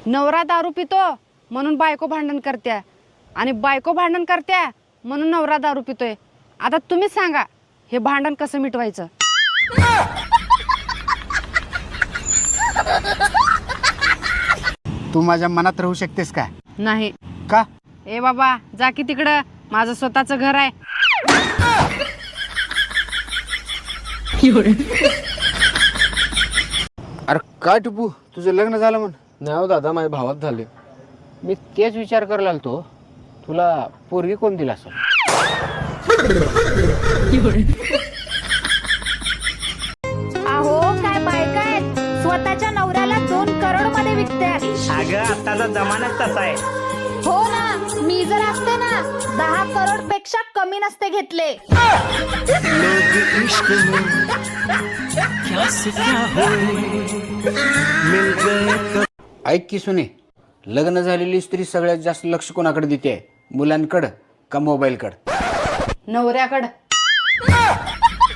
नवरा दारू पितो म्हणून बायको भांडण करत्या आणि बायको भांडण करत्या म्हणून नवरा दारू पितोय. आता तुम्हीच सांगा हे भांडण कसं मिटवायचं. तू माझ्या मनात राहू शकतेस का? नाही. का? ए बाबा जा की तिकडं, माझं स्वतःचं घर आहे. अरे काय टिपू, तुझं लग्न झालं म्हण? नाही हो दादा, माझ्या भावात झाले. मी तेच विचार करायला आलतो, तुला पोरगी कोण दिला असेल? अहो काय बायका आहेत, स्वतःच्या नवऱ्याला 2 करोड मध्ये विकतात. अगं आताचा जमानाच तसा आहे. हो ना, मी जर असते ना 10 करोड पेक्षा कमी नसते घेतले. ऐक की सुने, लग्न झालेली स्त्री सगळ्यात जास्त लक्ष कोणाकडे देते? मुलांकडं का मोबाईलकडं? नवऱ्याकडं.